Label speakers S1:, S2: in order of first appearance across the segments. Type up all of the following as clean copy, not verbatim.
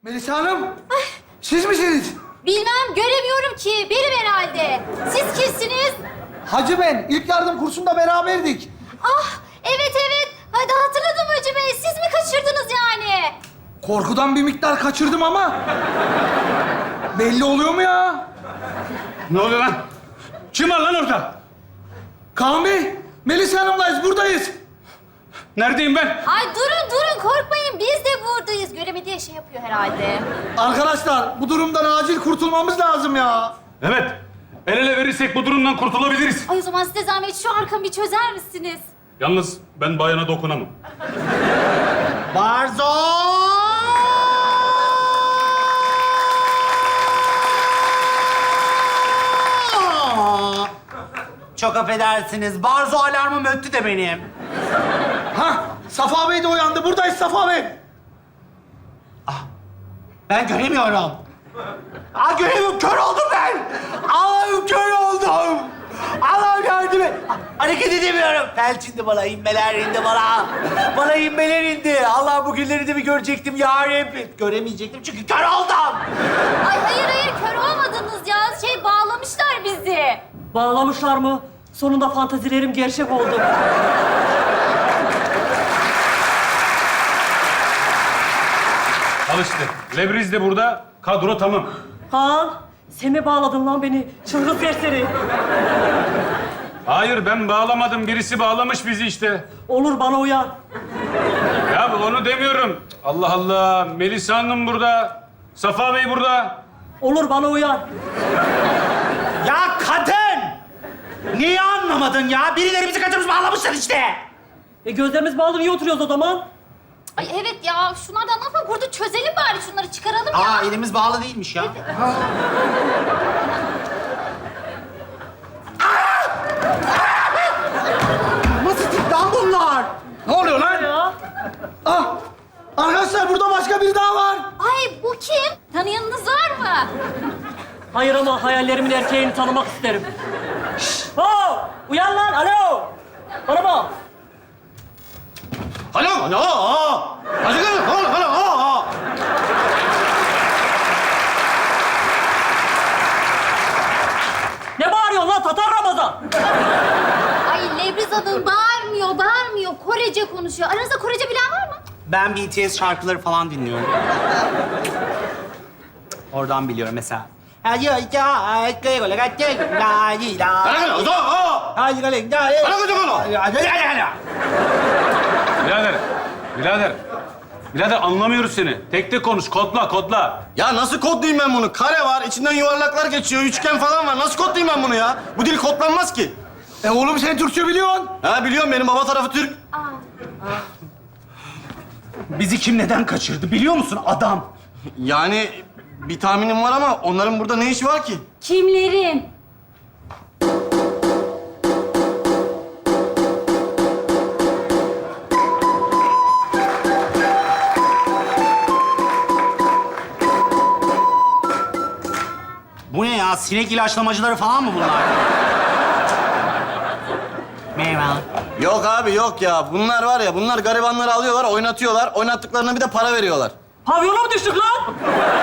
S1: Melisa Hanım, siz misiniz?
S2: Bilmem, göremiyorum ki. Benim herhalde. Siz kimsiniz?
S1: Hacı ben, ilk yardım kursunda beraberdik.
S2: Ah, evet. Hadi hatırladım Hacı Bey. Siz mi kaçırdınız yani?
S1: Korkudan bir miktar kaçırdım ama... belli oluyor mu ya?
S3: Ne oluyor lan? Kim var lan orada?
S1: Kaan Bey, Melisa Hanım'layız, buradayız.
S3: Neredeyim ben?
S2: Ay durun korkmayın. Biz de buradayız. Göremediği şey yapıyor herhalde.
S1: Arkadaşlar, bu durumdan acil kurtulmamız lazım ya.
S3: Evet. El ele verirsek bu durumdan kurtulabiliriz.
S2: Ay o zaman size zahmet şu arkamı bir çözer misiniz?
S3: Yalnız ben bayana dokunamam.
S4: Barzo! Çok affedersiniz. Barzo alarmım öttü de benim.
S1: Hah, Safa Bey de uyandı. Buradayız Safa Bey.
S4: Ben göremiyorum. Göremiyorum. Kör oldum ben. Allah'ım kör oldum. Allah'ım yardım et. Hareket edemiyorum. Felç indi bana, inmeler indi bana. Bana inmeler indi. Allah bugünleri de bir görecektim ya Rabbi. Göremeyecektim çünkü kör oldum.
S2: Ay hayır kör olmadınız ya. Bağlamışlar bizi.
S5: Bağlamışlar mı? Sonunda fantazilerim gerçek oldu.
S3: Al işte. Lebriz de burada. Kadro tamam.
S5: Kaan, sen mi bağladın lan beni? Çılgın serseri.
S3: Hayır ben bağlamadım. Birisi bağlamış bizi işte.
S5: Olur bana uyar.
S3: Ya onu demiyorum. Allah Allah. Melisa Hanım burada. Safa Bey burada.
S5: Olur bana uyar.
S4: Ya kadın! Niye anlamadın ya? Birileri bizi kaçırmış bağlamışlar işte.
S5: Gözlerimiz bağlı, niye oturuyoruz o zaman?
S2: Ay evet ya. Şunlardan ne yapalım? Burada çözelim bari. Şunları çıkaralım ya.
S4: Elimiz bağlı değilmiş ya. Nasıl tip lan bunlar?
S1: Ne oluyor lan?
S5: Ya.
S1: Ah, arkadaşlar burada başka biri daha var.
S2: Ay bu kim? Tanıyanınız var mı?
S5: Hayır ama hayallerimin erkeğini tanımak isterim. Şşş! Ho! Uyan lan, alo! Bana bak.
S4: Alo. Hadi gelin. Alo.
S5: Ne bağırıyorsun lan, Tatar Ramazan?
S2: Ay Lebriz Hanım bağırmıyor. Korece konuşuyor. Aranızda Korece bilen var mı?
S4: Ben BTS şarkıları falan dinliyorum. Oradan biliyorum mesela.
S3: Birader anlamıyoruz seni. Tek tek konuş. Kodla.
S6: Ya nasıl kodlayayım ben bunu? Kare var, içinden yuvarlaklar geçiyor, üçgen falan var. Nasıl kodlayayım ben bunu ya? Bu dil kodlanmaz ki.
S1: Oğlum sen Türkçe biliyorsun.
S6: Ha biliyorum, benim baba tarafı Türk.
S4: Bizi kim neden kaçırdı biliyor musun adam?
S6: Yani bir tahminim var ama onların burada ne işi var ki?
S2: Kimlerin?
S4: Bu ne ya? Sinek ilaçlamacıları falan mı bunlar? Merhaba.
S6: Yok abi yok ya. Bunlar var ya, bunlar garibanları alıyorlar, oynatıyorlar. Oynattıklarına bir de para veriyorlar.
S5: Pavyona mı düştük lan?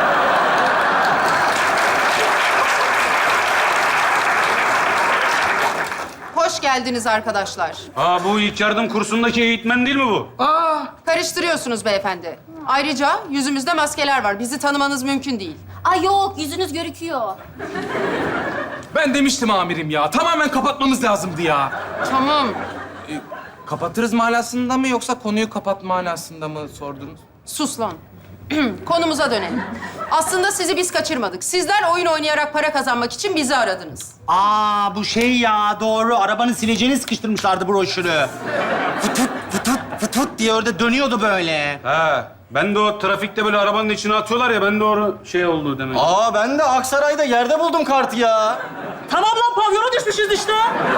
S7: Hoş geldiniz arkadaşlar.
S3: Bu ilk yardım kursundaki eğitmen değil mi bu?
S7: Karıştırıyorsunuz beyefendi. Ayrıca yüzümüzde maskeler var. Bizi tanımanız mümkün değil.
S2: Ay yok yüzünüz görüküyor.
S8: Ben demiştim amirim ya. Tamamen kapatmamız lazımdı ya.
S7: Tamam.
S8: Kapatırız manasında mı yoksa konuyu kapatma manasında mı sordunuz?
S7: Sus lan. Konumuza dönelim. Aslında sizi biz kaçırmadık. Sizler oyun oynayarak para kazanmak için bizi aradınız.
S4: Bu şey ya doğru. Arabanın sileceğini sıkıştırmışlardı broşürü. Fıtut diye orada dönüyordu böyle.
S3: Ben de o trafikte böyle arabanın içine atıyorlar ya, ben de o şey oldu demek.
S6: Ben de Aksaray'da yerde buldum kartı ya.
S5: Tamam lan, pavyona düşmüşüz işte.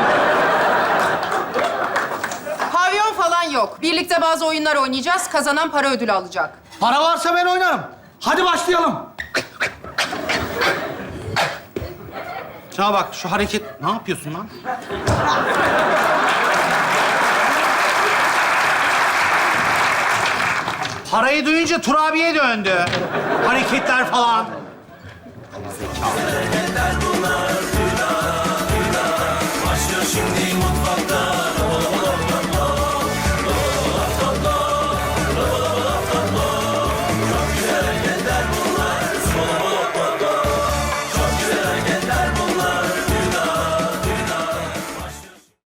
S7: Pavyon falan yok. Birlikte bazı oyunlar oynayacağız. Kazanan para ödülü alacak.
S1: Para varsa ben oynarım. Hadi başlayalım.
S4: Şuna bak şu hareket. Ne yapıyorsun lan? Parayı duyunca Turabi'ye döndü. Hareketler falan.
S9: Hareketler bunlar.